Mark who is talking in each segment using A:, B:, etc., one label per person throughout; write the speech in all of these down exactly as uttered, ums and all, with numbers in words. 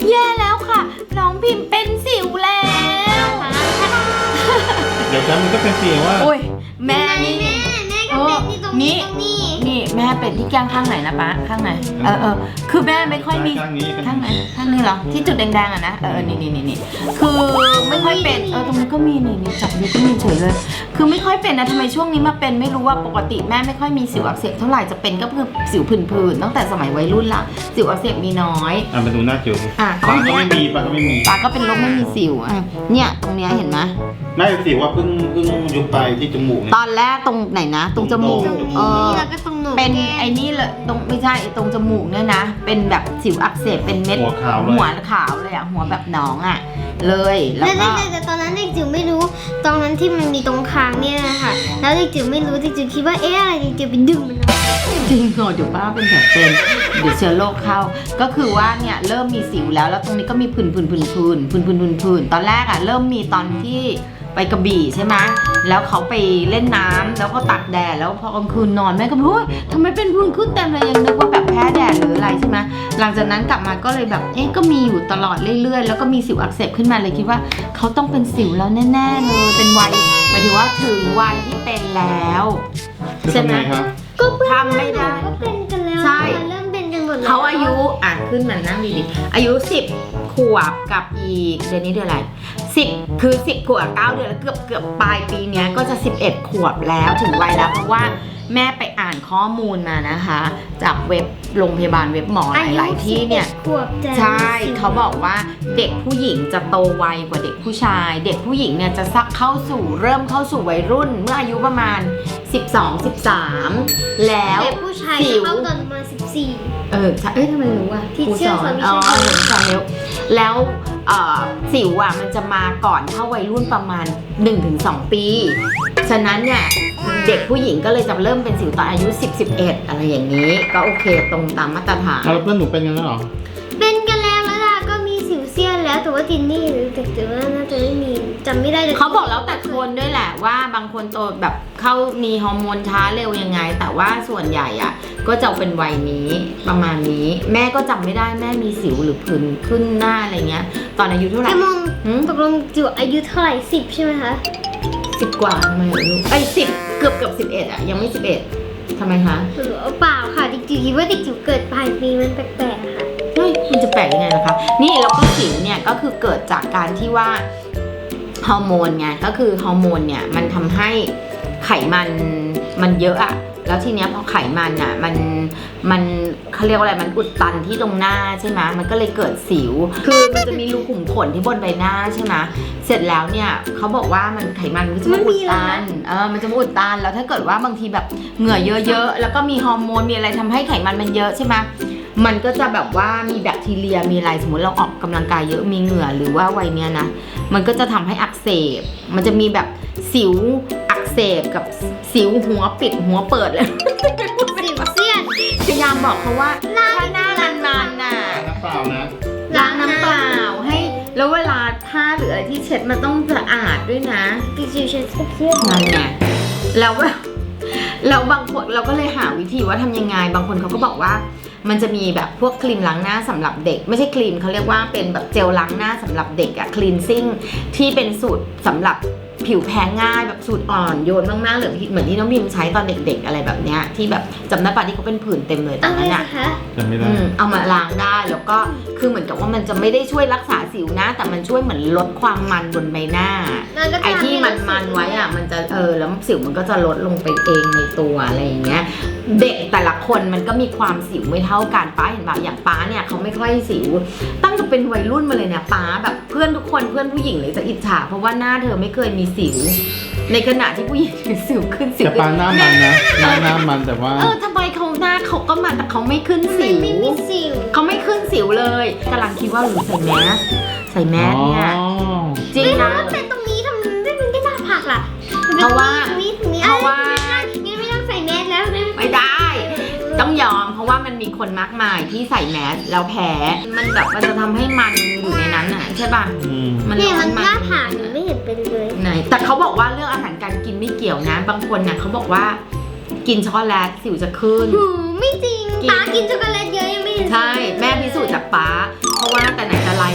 A: แย่แล้วค่ะน้องพิมพ์เป็นสิวแล้ว
B: เดี๋ยวฉันมันก็เป็นสิวว่า
A: โอ้ยแม่นี่
C: แม่แม่ก็เป็นที่ตรงนี้ตรงนี้
A: นี่แม่เป็นที่แก้มข้างไหนนะป๊าข้างไหนเออเออคือแม่ไม่ค่อยมีข้างไหนข้างนี้เหรอที่จุดแดงๆอ่ะนะเออนี่นี่นี่นี่คือไม่ค่อยเป็นเออตรงนี้ก็มีนี่นี่จับนี่ก็มีเฉยเลยคือไม่ค่อยเป็นนะทำไมช่วงนี้มาเป็นไม่รู้ว่าปกติแม่ไม่ค่อยมีสิวอักเสบเท่าไหร่จะเป็นก็คือสิวผื่นๆตั้งแต่สมัยวัยรุ่นละสิวอักเสบมีน้อย
B: อ่ะมาดูหน้าจิ๋ว
A: อ่ะ
B: ปากก็ไม่มีปากก็ไม่มี
A: ปากก็เป็นโรคไม่มีสิวอ่ะเนี่ยตรงเนี้ยเห็นไหม
B: น่าจะสิวว่าเพิ่งเพิ่งยุบไปที่จมูก
A: ตอนแรกตรงไหนนะตรงจมูกเออ
C: แล้วก็ตรงหนู
A: เป็นไอ้นี่เลยตรงไม่ใช่ตรงจมูกเนี่ยนะเป็นแบบสิวอักเสบเป็นเม็ด
B: หัวขาวเลย
A: หัวขาวเลยอ่ะหัวแบบหนองอ่ะเลยแล้วก็
C: แต่ตอนนั้นเด็กจิ๋วไม่รู้ตรงนั้นที่มันมีตรงคางเนี่ยนะคะแล้วเด็กจิ๋วไม่รู้เด็กจิ๋วคิดว่าเอ๊ะอะไรเด็กจิ๋วไปดึงมัน
A: จริงเหรอเดี๋ยวป้าเป็นแผลเป็นเดี๋ยวเชื้อโรคเข้าก็คือว่าเนี่ยเริ่มมีสิวแล้วแล้วตรงนี้ก็มีผื่นผื่นผื่นผื่นผื่นผื่นผื่นผื่นตอนแรกอ่ะเริ่มมีตอนที่ไปกระบี่ใช่ไหมแล้วเขาไปเล่นน้ำแล้วก็ตากแดดแล้วพอกลางคืนนอนแม่ก็บอกว่าทำไมเป็นผื่นขึ้นเต็มเลยยังนึกว่าแบบแพ้แดดหรืออะไรใช่ไหมหลังจากนั้นกลับมาก็เลยแบบเอ๊ะก็มีอยู่ตลอดเรื่อยๆแล้วก็มีสิวอักเสบขึ้นมาเลยคิดว่าเขาต้องเป็นสิวแล้วแน่ๆเลยเป็นวัยหมายถึงว่าถึงวัยที่เป็นแล้วใช่ไหม
B: ก็
A: ทำไม่ได้
C: ก็เป็นกันแล้ว
A: ใช่
C: เริ่มเป็นกันหมดแล้ว
A: เขาอายุอ่ะขึ้นมานั่งดีๆอายุสิบขวบกับอีกเดือนนี้เดือนอะไรสิบคือสิบขวบเก้าเดือนแล้วเกือบเกือบปลายปีเนี้ยก็จะสิบเอ็ดขวบแล้วถึงวัยแล้วเพราะว่าแม่ไปอ่านข้อมูลมานะคะจากเว็บโรงพยาบาลเว็บหมอหลายๆที่เนี่ยใช่เขาบอกว่าเด็กผู้หญิงจะโตไวกว่าเด็กผู้ชายเด็กผู้หญิงเนี่ยจะซักเข้าสู่เริ่มเข้าสู่วัยรุ่นเมื่ออายุประมาณสิบสอง สิบสามแล้ว
C: เด็กผู้ชายจะเข้าตอนประมาณสิบสี่
A: เออเอ้ยทำไมรู้อ่ะ
C: ที่เชื่อสอนวิชา
A: อ๋อเห็นสอนแล้วแล้วสิวอ่ะมันจะมาก่อนเข้าวัยรุ่นประมาณ หนึ่งถึงสอง ปีฉะนั้นเนี่ยเด็กผู้หญิงก็เลยจะเริ่มเป็นสิวตอนอายุสิบ สิบเอ็ดอะไรอย่างนี้ก็โอเคตรงตามมาตรฐาน
B: แล้วเพื่อนหนูเป็นกันแล้วหรอ
C: เป็นกันแล้วแล้วล่ะก็มีสิวเซียนแล้วแต่ว่าจินนี่หรือเด็กจิ๋วน่าจะไม่มีจำไม่ได้เลย
A: เขาบอกแล้วแต่คนด้วยแหละว่าบางคนโตแบบเข้ามีฮอร์โมนช้าเร็วยังไงแต่ว่าส่วนใหญ่อ่ะก็จะเป็นวัยนี้ประมาณนี้แม่ก็จำไม่ได้แม่มีสิวหรือผื่นขึ้นหน้าอะไรเงี้ยตอนอายุเท่าไหร่
C: ตกลงจิ๋วอายุเท่าไหร่สิบใช่ไหมคะ
A: สิบกว่าทำไมลูกไอ้สิบเกือบเกือบสิบเอ็ดอ่ะยังไม่สิบเอ็ดทำไมคะ
C: เปล่าค่ะเด็กจิ๋วคิดว่าเด็กจิ๋วเกิดปลายปีมันแปลกๆค่ะ
A: เฮ้ยมันจะแปลกยังไงนะคะนี่แล้วก็สิวเนี่ยก็คือเกิดจากการที่ว่าฮอร์โมนไงก็คือฮอร์โมนเนี่ยมันทำให้ไขมันมันเยอะอะแล้วทีเนี้ยพอไขมันอ่ะมันมันเขาเรียกว่าอะไรมันอุดตันที่ตรงหน้าใช่ไหมมันก็เลยเกิดสิวคือมันจะมีรูขุมขนที่บนใบหน้าใช่ไหมเสร็จแล้วเนี่ยเขาบอกว่ามันไขมันมันจะมาอุดตันเออมันจะมาอุดตันแล้วถ้าเกิดว่าบางทีแบบเหงื่อเยอะๆแล้วก็มีฮอร์โมนมีอะไรทำให้ไขมันมันเยอะใช่ไหมมันก็จะแบบว่ามีแบคทีเรียมีอะไรสมมติเราออกกำลังกายเยอะมีเหงื่อหรือว่าวัยเนี้ยนะมันก็จะทำให้อักเสบมันจะมีแบบสิวอักเสบกับสิวหัวปิดหัวเปิดเลย
C: สิวเซียน
A: พยายามบอกเขาว่าถ้าหน้านานๆน่ะ
B: น้ำเปล่านะ
A: ล้างน้ำเปล่าให้แล้วเวลาผ้าหรืออะไรที่เช็ดมันต้องสะอาดด้วยนะ
C: ดิจิเช็ดเสื้อ
A: นั่นไงแล้วแล้วบางคนเราก็เลยหาวิธีว่าทำยังไงบางคนเขาก็บอกว่ามันจะมีแบบพวกครีมล้างหน้าสำหรับเด็กไม่ใช่ครีมเขาเรียกว่าเป็นแบบเจลล้างหน้าสำหรับเด็กอะคลีนซิ่งที่เป็นสูตรสำหรับผิวแพ้ง่ายแบบสูตรอ่อนโยนมากๆเหมือนเหมือนที่น้องพิมใช้ตอนเด็กๆอะไรแบบเนี้ยที่แบบจำได้ป่ะที่เขาเป็นผื่นเต็มเลยตอนนั้นอะ
B: จำไม่ได้
A: เอามาล้างได้แล้วก็คือเหมือนกับว่ามันจะไม่ได้ช่วยรักษาสิวนะแต่มันช่วยเหมือนลดความมันบนใบหน้าไอ้ที่มันมันไว้อะมันจะเออแล้วสิวมันก็จะลดลงไปเองในตัวอะไรอย่างเงี้ยเด็กแต่ละคนมันก็มีความสิวไม่เท่ากันป้าเห็นป่ะอย่างป้าเนี่ยเขาไม่ค่อยสิวตั้งแต่เป็นวัยรุ่นมาเลยเนี่ยป้าแบบเพื่อนทุกคนเพื่อนผู้หญิงเลยจะอิจฉาเพราะว่าหน้าเธอไม่เคยมีสิวในขณะที่ผู้หญิงสิวขึ้นสิว
B: แต่ป้าหน้ามันนะหน้าหน้ามันแต่ว่า
A: เออทำไมเขาหน้าเขาก็มาแต่เขาไม่ขึ้นสิวเขาไม่ขึ้นสิวเลยกำลังคิดว่าหรือใส่แมสใส่แมสเนี่ยจริงนะ
C: เป็นตรงนี้ทำไม่เป็นไม่น่าผักล่ะ
A: เพราะว่าเพราะว่า
C: นี่ไม่ต้องใส่แมสแล้ว
A: ไม่ได้ต้องยอมเพราะว่ามันมีคนมากมายที่ใส่แมสแล้วแพ้มันแบบมันจะทำให้มันอยู่ในนั้นน่ะใช่ป่ะ
C: มันเนี่ยมันน่าผ่านไม่เห็นเป็นเลย
A: ไหนแต่เขาบอกว่าเรื่องอาหารการกินไม่เกี่ยวนะบางคนเนี่ยเขาบอกว่ากินช็อกโกแลตสิวจะขึ้น
C: ไม่จริงป้ากินช็อกโกแลตเยอะยังไม่เห็น
A: ใช่แม่พิสูจน์จากป้าเพราะว่าแต่ไหนแต่ไร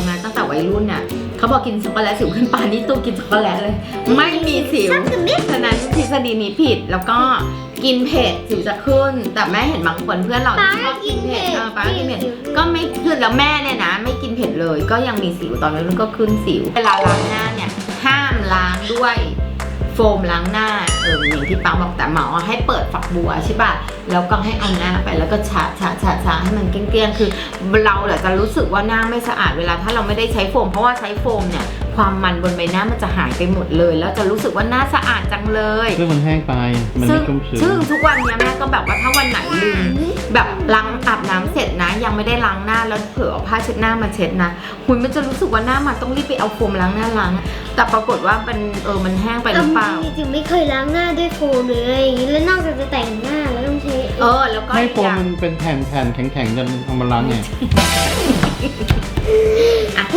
A: พอกินช็อกโกแลตสิวขึ้นปานนี่ตู้กินช็อกโกแลตเลย ไม่มีสิว
C: ชักกันนิด
A: ฉะนั้นทฤษฎีนี้ผิดแล้วก็กินเผ็ดสิวจะขึ้น แต่แม่เห็นบางคนเพื่อนเรา
C: ป้า
A: ที่ชอบ
C: กิ
A: กิ
C: น
A: น
C: เผ็
A: เผ็
C: ด
A: ดเออป้ากินเผ็ด
C: สิว
A: ก็ไม่ขึ้นแล้วแม่เนี่ยนะ ไม่กินเผ็ดเลย ก็ยังมีสิวตอนนั้นก็ขึ้นสิว เวลาล้างหน้าเนี่ยห้ามล้างด้วยโฟมล้างหน้าเอออย่างที่ป้าบอกแต่หมอให้เปิดฝักบัวใช่ป่ะแล้วก็ให้เอาหน้าไปแล้วก็ชะชะชะชะให้มันเกลี้ยงๆคือเราเดี๋ยวจะรู้สึกว่าหน้าไม่สะอาดเวลาถ้าเราไม่ได้ใช้โฟมเพราะว่าใช้โฟมเนี่ยความมันบนใบหน้ามันจะหายไปหมดเลย แล้วจะรู้สึกว่าหน้าสะอาดจังเลย
B: ซึ่งมันแห้งไปมัน
A: ซึ่
B: ไม่
A: ง
B: ชุ่มชื้น
A: ซึ่งทุกวันเนี้ยแม่ก็แบบว่าถ้าวันไหนลืมแบบล้างอาบน้ำเสร็จนะ ยังไม่ได้ล้างหน้าแล้วเผื่อเอาผ้าเช็ดหน้ามาเช็ดนะหุยมันจะรู้สึกว่าหน้ามันต้องรีบไปเอาโฟมล้างหน้าล้างแต่ปรากฏว่ามันเออมันแห้งไปหรือเปล่า
C: จริงๆไม่เคยล้างหน้าด้วยโฟมหรืออะไรอย่างนี้แล้วนอกจากจะแต่งหน้าแล้วต้องใช้
A: เออแล้วก็
B: ให้
A: อีก
B: โฟ
A: อ
B: ม
A: ย่าง
B: มันเป็นแผ่นแผ่นๆแข็งๆจนเอามาล้างไง
A: อ่ะ